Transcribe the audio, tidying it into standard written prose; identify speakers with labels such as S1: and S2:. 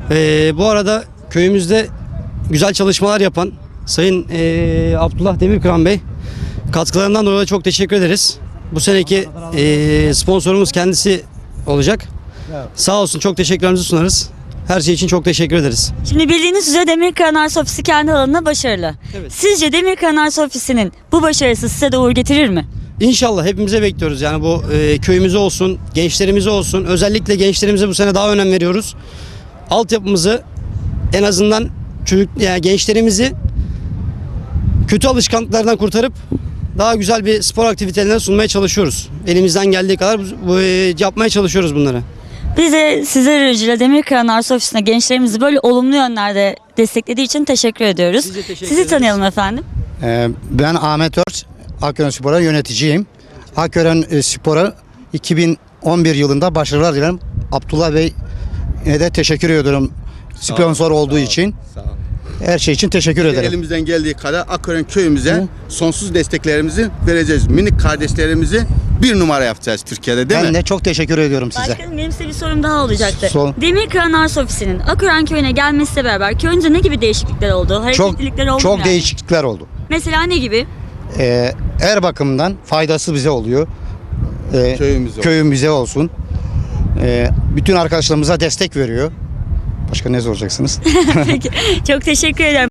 S1: Bu arada köyümüzde güzel çalışmalar yapan Sayın Abdullah Demirkıran Bey, katkılarından dolayı çok teşekkür ederiz. Bu seneki sponsorumuz kendisi olacak. Sağ olsun, çok teşekkürlerimizi sunarız. Her şey için çok teşekkür ederiz.
S2: Şimdi bildiğiniz üzere Demirkıran Arsa Ofisi kendi alanında başarılı.
S1: Evet.
S2: Sizce Demirkıran Arsa Ofisi'nin bu başarısı size de uğur getirir mi?
S1: İnşallah, hepimize bekliyoruz. Yani bu köyümüze olsun, gençlerimize olsun. Özellikle gençlerimize bu sene daha önem veriyoruz. Altyapımızı, en azından yani gençlerimizi kötü alışkanlıklardan kurtarıp daha güzel bir spor aktivitelerine sunmaya çalışıyoruz. Elimizden geldiği kadar yapmaya çalışıyoruz bunları.
S2: Biz de sizler aracıyla Demirkıran Arsa Ofisi'ne gençlerimizi böyle olumlu yönlerde desteklediği için teşekkür ediyoruz.
S1: Biz de teşekkür
S2: Sizi
S1: ederiz.
S2: tanıyalım efendim.
S3: Ben Ahmet Ört, Akören Spor'a yöneticiyim. Akören Spor'a 2011 yılında başarılar dilerim. Abdullah Bey'e de teşekkür ediyorum sponsor olduğu için.
S4: Sağ ol.
S3: Her şey için teşekkür ederim.
S4: Elimizden geldiği kadar Akören köyümüze sonsuz desteklerimizi vereceğiz. Minik kardeşlerimizi bir numara yapacağız Türkiye'de, değil
S3: Ben
S4: mi?
S3: de çok teşekkür ediyorum size.
S2: Başkanım, benim size bir sorum daha olacaktı.
S3: Sor.
S2: Demirkıran Arsa Ofisi'nin Akören köyüne gelmesiyle beraber köyünüzde ne gibi değişiklikler oldu?
S3: Çok
S2: Hareketlilikler oldu mu
S3: çok
S2: yani?
S3: değişiklikler oldu.
S2: Mesela ne gibi?
S3: Her bakımdan faydası bize oluyor.
S4: Köyümüze.
S3: Köyümüze olsun. Bütün arkadaşlarımıza destek veriyor. Başka ne soracaksınız?
S2: Peki, çok teşekkür ederim.